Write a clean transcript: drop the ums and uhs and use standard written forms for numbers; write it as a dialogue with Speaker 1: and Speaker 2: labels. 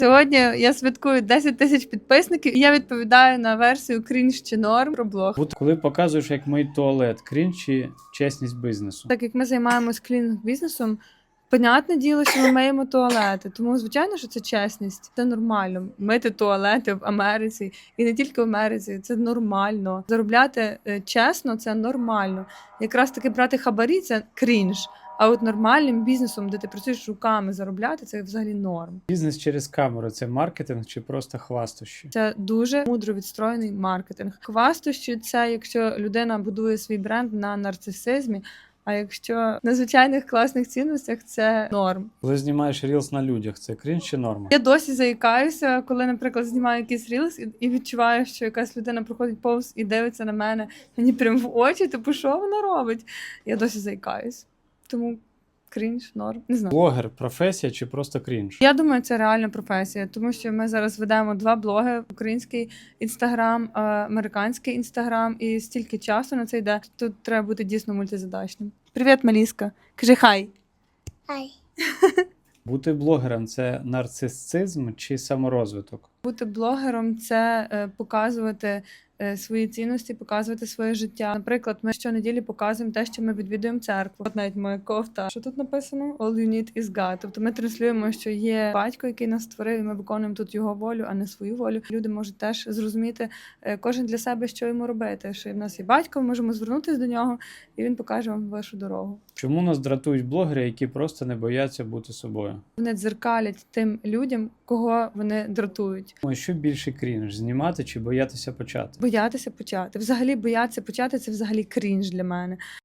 Speaker 1: Сьогодні я святкую 10 тисяч підписників, і я відповідаю на версію крінж чи норм про блог.
Speaker 2: Коли показуєш, як мить туалет, крінж чи чесність бізнесу?
Speaker 1: Так як ми займаємось клінінг-бізнесом, понятне діло, що ми миємо туалети. Тому, звичайно, що це чесність. Це нормально. Мити туалети в Америці. І не тільки в Америці. Це нормально. Заробляти чесно – це нормально. Якраз таки брати хабарі – це крінж. А от нормальним бізнесом, де ти працюєш руками, заробляти – це взагалі норм.
Speaker 2: Бізнес через камеру – це маркетинг чи просто хвастощі?
Speaker 1: Це дуже мудро відстроєний маркетинг. Хвастощі – це якщо людина будує свій бренд на нарцисизмі, а якщо на звичайних класних цінностях – це норм.
Speaker 2: Коли знімаєш рілс на людях, це крінж чи норма?
Speaker 1: Я досі заїкаюся, коли, наприклад, знімаю якийсь рілс і відчуваю, що якась людина проходить повз і дивиться на мене, мені прямо в очі, типу, що вона робить? Я досі заїкаюсь. Тому крінж, норм, не знаю.
Speaker 2: Блогер – професія чи просто крінж?
Speaker 1: Я думаю, це реальна професія, тому що ми зараз ведемо 2 блоги: український інстаграм, американський інстаграм, і стільки часу на це йде. Тут треба бути дійсно мультизадачним. Привіт, Маліска. Кажи хай.
Speaker 3: Ай.
Speaker 2: Бути блогером – це нарцисизм чи саморозвиток?
Speaker 1: Бути блогером – це показувати свої цінності, показувати своє життя. Наприклад, ми щонеділі показуємо те, що ми відвідуємо церкву. От навіть моя кофта. Що тут написано? All you need is God. Тобто ми транслюємо, що є батько, який нас створив, і ми виконуємо тут його волю, а не свою волю. Люди можуть теж зрозуміти кожен для себе, що йому робити. Що в нас є батько, ми можемо звернутися до нього, і він покаже вам вашу дорогу.
Speaker 2: Чому нас дратують блогери, які просто не бояться бути собою?
Speaker 1: Вони дзеркалять тим людям, кого вони дратують.
Speaker 2: Що більше крінж – знімати чи боятися почати?
Speaker 1: Боятися почати. Взагалі боятися почати – це взагалі крінж для мене.